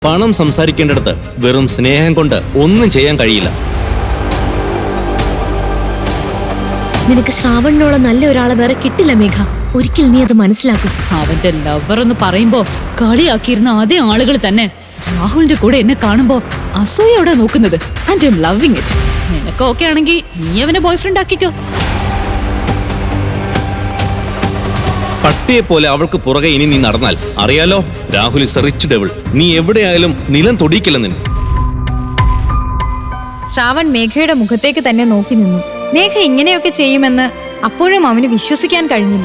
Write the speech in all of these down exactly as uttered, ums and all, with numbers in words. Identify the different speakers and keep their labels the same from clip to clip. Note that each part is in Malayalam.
Speaker 1: പണം സംസാരിക്കേണ്ടിടത്ത് വെറും സ്നേഹം കൊണ്ട് ഒന്നും ചെയ്യാൻ കഴിയില്ല.
Speaker 2: നിനക്ക് ശ്രാവണിനോളം നല്ല ഒരാളെ വേറെ കിട്ടില്ല മേഘ. ഒരിക്കൽ നീ അത് മനസ്സിലാക്കും.
Speaker 3: അവന്റെ ലവർ എന്ന് പറയുമ്പോ കളിയാക്കിയിരുന്ന അതേ ആളുകൾ തന്നെ രാഹുലിന്റെ കൂടെ എന്നെ കാണുമ്പോ അസൂയോടെ നോക്കുന്നത്. And I'm loving it. നിനക്ക് ഓക്കെ ആണെങ്കിൽ നീ അവനെ ബോയ്ഫ്രണ്ട് ആക്കിക്കോ.
Speaker 1: പട്ടിയെ പോലെ അവൾക്ക് പുറകെ ഇനി നീ നടന്നാൽ അറിയാലോ, Rahul is a rich devil. നീ എവിടെയായാലും നിലം തൊടിയിക്കില്ല നിന്നെ.
Speaker 4: ശ്രാവൺ മേഘയുടെ മുഖത്തേക്ക് തന്നെ നോക്കി നിന്നു. മേഘ ഇങ്ങനെയൊക്കെ ചെയ്യുമെന്ന് അപ്പോഴും അവന് വിശ്വസിക്കാൻ കഴിഞ്ഞില്ല.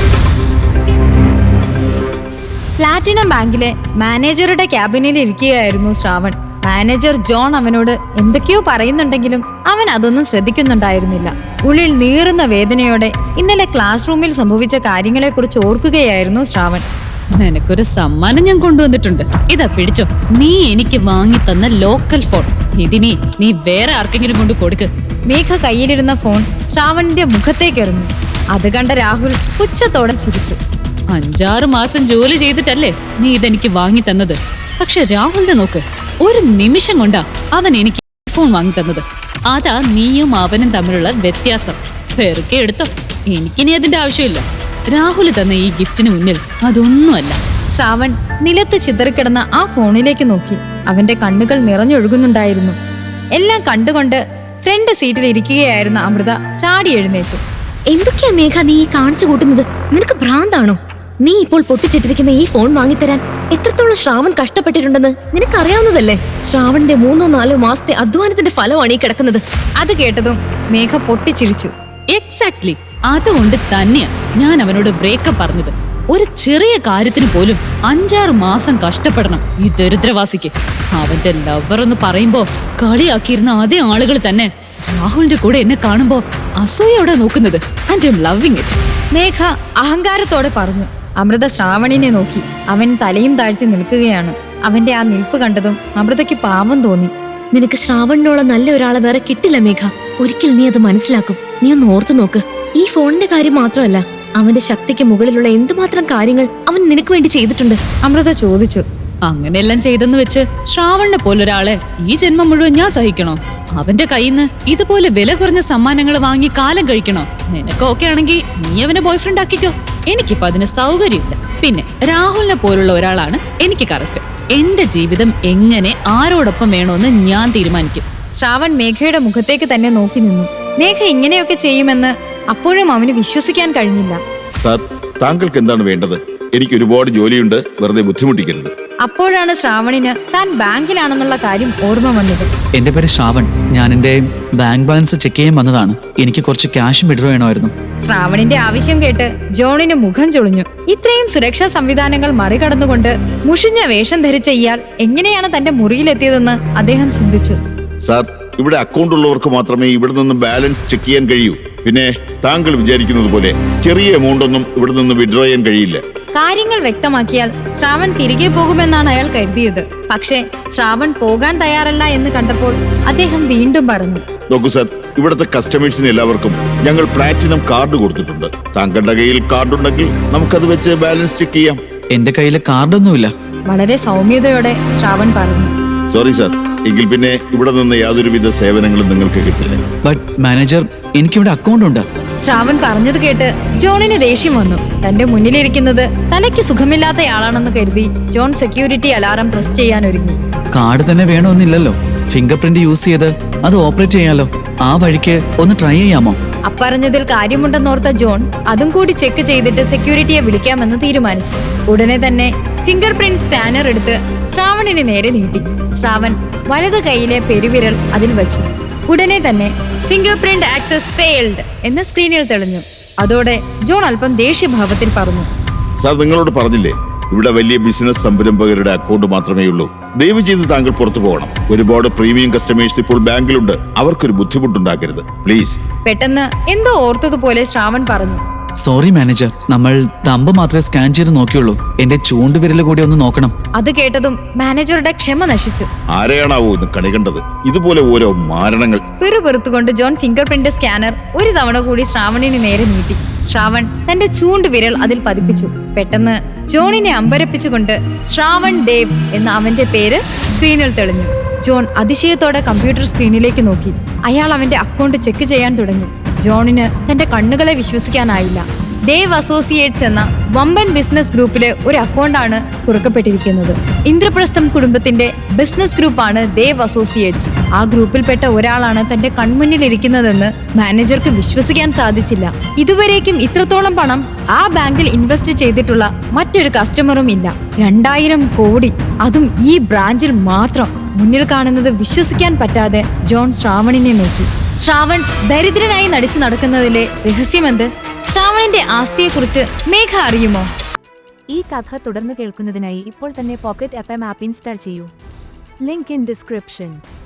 Speaker 4: പ്ലാറ്റിനം ബാങ്കിലെ മാനേജറുടെ ക്യാബിനിൽ ഇരിക്കുകയായിരുന്നു ശ്രാവൺ. മാനേജർ ജോൺ അവനോട് എന്തൊക്കെയോ പറയുന്നുണ്ടെങ്കിലും അവൻ അതൊന്നും ശ്രദ്ധിക്കുന്നുണ്ടായിരുന്നില്ല. ഉള്ളിൽ നീറുന്ന വേദനയോടെ ഇന്നലെ ക്ലാസ് റൂമിൽ സംഭവിച്ച കാര്യങ്ങളെക്കുറിച്ച് ഓർക്കുകയായിരുന്നു ശ്രാവൺ.
Speaker 3: നിനക്കൊരു സമ്മാനം ഞാൻ കൊണ്ടുവന്നിട്ടുണ്ട്. ഇതാ പിടിച്ചോ. നീ എനിക്ക് വാങ്ങി തന്ന ലോക്കൽ ഫോൺ. ഇതിനി നീ വേറെ ആർക്കെങ്കിലും കൊണ്ട് കൊടുക്ക്.
Speaker 4: മേഘ കയ്യിലിരുന്ന ഫോൺ ശ്രാവണിന്റെ മുഖത്തേക്ക് എറിഞ്ഞു. അത് കണ്ട രാഹുൽ പുച്ഛത്തോടെ ചിരിച്ചു.
Speaker 3: അഞ്ചാറ് മാസം ജോലി ചെയ്തിട്ടല്ലേ നീ ഇതെനിക്ക് വാങ്ങി തന്നത്. പക്ഷെ രാഹുലിനെ നോക്ക്, ഒരു നിമിഷം കൊണ്ടാ അവൻ എനിക്ക് ഫോൺ വാങ്ങി തന്നത്. അതാ നീയും അവനും തമ്മിലുള്ള വ്യത്യാസം. പെറുക്കെ എടുത്തോ. എനിക്കിനി അതിന്റെ ആവശ്യമില്ല. രാഹുൽ തന്ന ഈ ഗിഫ്റ്റിന് മുന്നിൽ അതൊന്നുമല്ല.
Speaker 4: ശ്രാവൺ നിലത്ത് ചിതറിക്കിടന്ന ആ ഫോണിലേക്ക് നോക്കി. അവന്റെ കണ്ണുകൾ നിറഞ്ഞൊഴുകുന്നുണ്ടായിരുന്നു. എല്ലാം കണ്ടുകൊണ്ട് ഫ്രണ്ട് സീറ്റിൽ ഇരിക്കുകയായിരുന്ന അമൃത ചാടി എഴുന്നേറ്റു.
Speaker 2: എന്തൊക്കെയാ മേഘ നീ ഈ കാണിച്ചു കൂട്ടുന്നത്? നിനക്ക് ഭ്രാന്താണോ? നീ ഇപ്പോൾ പൊട്ടിച്ചിട്ടിരിക്കുന്ന ഈ ഫോൺ വാങ്ങിത്തരാൻ എത്രത്തോളം ശ്രാവൺ കഷ്ടപ്പെട്ടിട്ടുണ്ടെന്ന് നിനക്കറിയാവുന്നതല്ലേ? ശ്രാവണിന്റെ മൂന്നോ നാലോ മാസത്തെ അധ്വാനത്തിന്റെ ഫലമാണ് ഈ കിടക്കുന്നത്.
Speaker 4: അത് കേട്ടതും മേഘ പൊട്ടിച്ചിരിച്ചു.
Speaker 3: എക്സാക്ട്ലി. അതുകൊണ്ട് തന്നെയാ ഞാൻ അവനോട് ബ്രേക്കപ്പ് പറഞ്ഞത്. ഒരു ചെറിയ കാര്യത്തിന് പോലും അഞ്ചാറ് മാസം കഷ്ടപ്പെടണം ഈ ദരിദ്രവാസിക്ക്. അവന്റെ ലവർ എന്ന് പറയുമ്പോ കളിയാക്കിയിരുന്ന അതേ ആളുകൾ തന്നെ രാഹുലിന്റെ കൂടെ എന്നെ കാണുമ്പോ അസൂയോടെ നോക്കുന്നത്. And I'm loving it.
Speaker 4: Megha അഹങ്കാരത്തോടെ പറഞ്ഞു. അമൃത ശ്രാവണിനെ നോക്കി. അവൻ തലയും താഴ്ത്തി നിൽക്കുകയാണ്. അവന്റെ ആ നിൽപ്പ് കണ്ടതും അമൃതയ്ക്ക് പാവം തോന്നി.
Speaker 2: നിനക്ക് ശ്രാവണിനോളം നല്ല ഒരാളെ വേറെ കിട്ടില്ല മേഘ. ഒരിക്കൽ നീ അത് മനസ്സിലാക്കും. നീ ഒന്ന് ഓർത്തു നോക്ക്. ഈ ഫോണിന്റെ കാര്യം മാത്രമല്ല, അവന്റെ ശക്തിക്ക് മുകളിലുള്ള എന്തുമാത്രം കാര്യങ്ങൾ അവൻ നിനക്ക് വേണ്ടി ചെയ്തിട്ടുണ്ട്.
Speaker 4: അമൃത ചോദിച്ചു.
Speaker 3: അങ്ങനെയെല്ലാം ചെയ്തെന്ന് വെച്ച് ശ്രാവണിനെ പോലൊരാളെ ഈ ജന്മം മുഴുവൻ ഞാൻ സഹിക്കണോ? അവന്റെ കയ്യിന്ന് ഇതുപോലെ വില കുറഞ്ഞ സമ്മാനങ്ങൾ വാങ്ങി കാലം കഴിക്കണോ? നിനക്ക് ഓക്കെ ആണെങ്കിൽ നീ അവനെ ബോയ്ഫ്രണ്ട് ആക്കിക്കോ. എനിക്കിപ്പോ അതിന് സൗകര്യമില്ല. പിന്നെ രാഹുലിനെ പോലുള്ള ഒരാളാണ് എനിക്ക് കറക്റ്റ്. എന്റെ ജീവിതം എങ്ങനെ ആരോടൊപ്പം വേണോന്ന് ഞാൻ തീരുമാനിക്കും.
Speaker 4: ശ്രാവൺ മേഘയുടെ മുഖത്തേക്ക് തന്നെ നോക്കി നിന്നു. മേഘ ഇങ്ങനെയൊക്കെ ചെയ്യുമെന്ന് അപ്പോഴും അവന് വിശ്വസിക്കാൻ കഴിഞ്ഞില്ല.
Speaker 5: സാർ, താങ്കൾക്ക് എന്താണ് വേണ്ടത്? എനിക്ക് ഒരുപാട് ജോലിയുണ്ട്, വെറുതെ ബുദ്ധിമുട്ടിക്കരുത്.
Speaker 4: അപ്പോഴാണ് ശ്രാവണിന് താൻ ബാങ്കിലാണെന്നുള്ള കാര്യം ഓർമ്മ വന്നത്.
Speaker 6: എന്റെ പേര് ശ്രാവൺ. ഞാൻ എന്റെ ബാങ്ക് ബാലൻസ് ചെക്ക് ചെയ്യാൻ വന്നതാണ്. എനിക്ക് കുറച്ച് ക്യാഷ് വിഡ്രോ ചെയ്യണമായിരുന്നു.
Speaker 4: ശ്രാവണിന്റെ ആവശ്യം കേട്ട് ജോണിന് മുഖം ചൊളിഞ്ഞു. ഇത്രയും സുരക്ഷാ സംവിധാനങ്ങൾ മറികടന്നുകൊണ്ട് മുഷിഞ്ഞ വേഷം ധരിച്ച ഇയാൾ എങ്ങനെയാണ് തന്റെ മുറിയിലെത്തിയതെന്ന് അദ്ദേഹം ചിന്തിച്ചു.
Speaker 5: സാർ, ഇവിടെ അക്കൗണ്ട് ഉള്ളവർക്ക് മാത്രമേ ഇവിടെ നിന്ന് ബാലൻസ് ചെക്ക് ചെയ്യാൻ കഴിയൂ. പിന്നെ താങ്കൾ വിചാരിക്കുന്നത് പോലെ ചെറിയ എമൗണ്ട് ഒന്നും ഇവിടെ നിന്ന് വിഡ്രോ ചെയ്യാൻ കഴിയില്ല.
Speaker 4: കാര്യങ്ങൾ വ്യക്തമാക്കിയാൽ ശ്രാവൺ തിരികെ പോകുമെന്നാണ് അയാൾ കരുതിയത്. പക്ഷേ ശ്രാവൺ പോകാൻ തയ്യാറല്ല എന്ന് കണ്ടപ്പോൾ അദ്ദേഹം വീണ്ടും പറഞ്ഞു.
Speaker 5: നോക്കൂ സാർ, ഇവിടുത്തെ കസ്റ്റമേഴ്സിന് എല്ലാവർക്കും ഞങ്ങൾ പ്ലാറ്റിനം കാർഡ് കൊടുത്തിട്ടുണ്ട്. താങ്കളുടെ കയ്യിൽ കാർഡ് ഉണ്ടെങ്കിൽ നമുക്കത് വെച്ച് ബാലൻസ് ചെക്ക് ചെയ്യാം.
Speaker 6: എന്റെ കയ്യിൽ കാർഡൊന്നുമില്ല.
Speaker 4: വളരെ സൗമ്യതയോടെ ശ്രാവൺ പറഞ്ഞു.
Speaker 5: സോറി സാർ, എങ്കിൽ പിന്നെ ഇവിടെ നിന്ന് യാതൊരുവിധ സേവനങ്ങളും നിങ്ങൾക്ക് കിട്ടില്ല.
Speaker 6: ബട്ട് മാനേജർ, എനിക്കിവിടെ അക്കൗണ്ട് ഉണ്ട്.
Speaker 4: ശ്രാവൺ പറഞ്ഞത് കേട്ട് ജോണിന് ദേഷ്യം വന്നു. തന്റെ മുന്നിലിരിക്കുന്നത് തലയ്ക്ക് സുഖമില്ലാത്തയാളാണെന്ന് കരുതി ജോൺ സെക്യൂരിറ്റി അലാറം പ്രസ് ചെയ്യാൻ ഒരുങ്ങി.
Speaker 6: കാർഡ് തന്നെ വേണമെന്നില്ലല്ലോ. ഫിംഗർ പ്രിന്റ് യൂസ് ചെയ്ത് അത് ഓപ്പറേറ്റ് ചെയ്യാലോ. ആ വഴിക്ക് ഒന്ന് ട്രൈ ചെയ്യാമോ?
Speaker 4: അപ്പറഞ്ഞതിൽ കാര്യമുണ്ടെന്നോർത്ത ജോൺ അതും കൂടി ചെക്ക് ചെയ്തിട്ട് സെക്യൂരിറ്റിയെ വിളിക്കാമെന്ന് തീരുമാനിച്ചു. ഉടനെ തന്നെ ഫിംഗർ പ്രിന്റ് സ്കാനർ എടുത്ത് ശ്രാവണിന് നേരെ നീട്ടി. ശ്രാവൺ വലത് കൈയിലെ പെരുവിരൽ അതിൽ വെച്ചു. ഉടനെ തന്നെ ഫിംഗർ പ്രിന്റ് ആക്സസ് ഫെയിൽഡ് എന്ന് സ്ക്രീനിൽ തെളിഞ്ഞു. അതോടെ ജോൺ അല്പം ദേഷ്യഭാവത്തിൽ പറഞ്ഞു.
Speaker 5: സാർ, നിങ്ങളോട് പറഞ്ഞില്ലേ, ഇവിടെ വലിയ ബിസിനസ് സംരംഭകരുടെ അക്കൗണ്ട് മാത്രമേ ഉള്ളൂ. ദയവ് ചെയ്ത് താങ്കൾ പുറത്തു പോകണം. ഒരുപാട് പ്രീമിയം കസ്റ്റമേഴ്സ് ഇപ്പോൾ ബാങ്കിലുണ്ട്. അവർക്കൊരു ബുദ്ധിമുട്ടുണ്ടാക്കരുത് പ്ലീസ്.
Speaker 4: പെട്ടെന്ന് എന്തോ ഓർത്തതുപോലെ ശ്രാവൺ പറഞ്ഞു.
Speaker 6: സോറി മാനേജർ, നമ്മൾ തമ്പ് മാത്രമേ സ്കാൻ ചെയ്ത് നോക്കിയുള്ളൂ. എന്റെ ചൂണ്ടുവിരൽ കൂടി ഒന്ന് നോക്കണം.
Speaker 4: അത് കേട്ടതും മാനേജറുടെ ക്ഷമ നശിച്ചു.
Speaker 5: ആരെയാണാവോ ഇന്ന് കണി കണ്ടത്? ഇതുപോലെ ഓരോ മാരണങ്ങൾ.
Speaker 4: പിറുപിറുത്തുകൊണ്ട് ജോൺ ഫിംഗർ പ്രിന്റ് സ്കാനർ ഒരു തവണ കൂടി ശ്രാവണിന് നേരെ നീട്ടി. ശ്രാവൺ തന്റെ ചൂണ്ടുവിരൽ അതിൽ പതിപ്പിച്ചു. പെട്ടെന്ന് ജോണിനെ അമ്പരപ്പിച്ചുകൊണ്ട് ശ്രാവൺ ദേവ് എന്ന അവന്റെ പേര് സ്ക്രീനിൽ തെളിഞ്ഞു. ജോൺ അതിശയത്തോടെ കമ്പ്യൂട്ടർ സ്ക്രീനിലേക്ക് നോക്കി. അയാൾ അവന്റെ അക്കൗണ്ട് ചെക്ക് ചെയ്യാൻ തുടങ്ങി. ജോണിന് തന്റെ കണ്ണുകളെ വിശ്വസിക്കാനായില്ല. ദേവ് അസോസിയേറ്റ്സ് എന്ന വമ്പൻ ബിസിനസ് ഗ്രൂപ്പിലെ ഒരു അക്കൗണ്ടാണ് തുറക്കപ്പെട്ടിരിക്കുന്നത്. ഇന്ദ്രപ്രസ്ഥം കുടുംബത്തിന്റെ ബിസിനസ് ഗ്രൂപ്പാണ് ദേവ് അസോസിയേറ്റ്സ്. ആ ഗ്രൂപ്പിൽപ്പെട്ട ഒരാളാണ് തന്റെ കൺമുന്നിൽ ഇരിക്കുന്നതെന്ന് മാനേജർക്ക് വിശ്വസിക്കാൻ സാധിച്ചില്ല. ഇതുവരേക്കും ഇത്രത്തോളം പണം ആ ബാങ്കിൽ ഇൻവെസ്റ്റ് ചെയ്തിട്ടുള്ള മറ്റൊരു കസ്റ്റമറും ഇല്ല. രണ്ടായിരം കോടി, അതും ഈ ബ്രാഞ്ചിൽ മാത്രം. മുന്നിൽ കാണുന്നത് വിശ്വസിക്കാൻ പറ്റാതെ ജോൺ ശ്രാവണിനെ നോക്കി. ശ്രാവൺ ദരിദ്രനായി നടിച്ചു നടക്കുന്നതിലെ രഹസ്യമെന്ത്? ശ്രാവണിന്റെ ആസ്തിയെക്കുറിച്ച് മേഘ അറിയുമോ?
Speaker 7: ഈ കഥ തുടർന്ന് കേൾക്കുന്നതിനായി ഇപ്പോൾ തന്നെ pocket F M app install ചെയ്യൂ. Link in description.